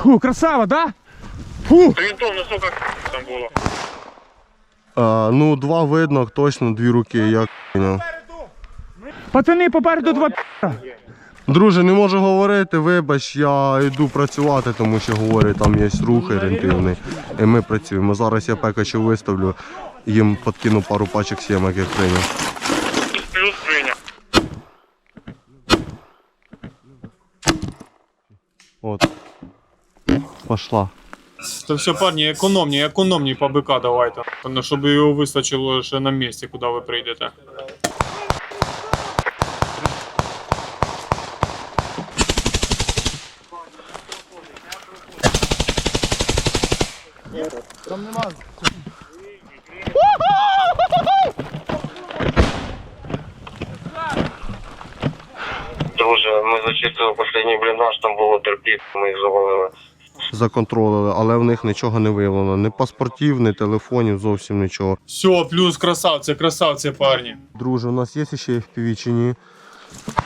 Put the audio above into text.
Фу, красава, да? Фу! Орієнтовно, скільки там було? Ну, 2 видно, точно 2 руки, як поняв. Пацани, попереду 2 пі***а. Друже, не можу говорити, вибач, я йду працювати, тому що говорю, там є рух орієнтивний. І ми працюємо. Зараз я пекачів виставлю, їм подкину пару пачок сімок, як прийняв. Плюс прийняв. От. Пошла. Та все, парні, економні по БК давайте. Щоб його вистачило ще на місці, куди ви прийдете. Друже, ми зачистили останній бліндаж, там було терпіт, ми їх завалили. Законтролили, але в них нічого не виявлено. Ні паспортів, ні телефонів, зовсім нічого. Все, плюс красавці, парні. Друже, у нас є ще FPV чи ні?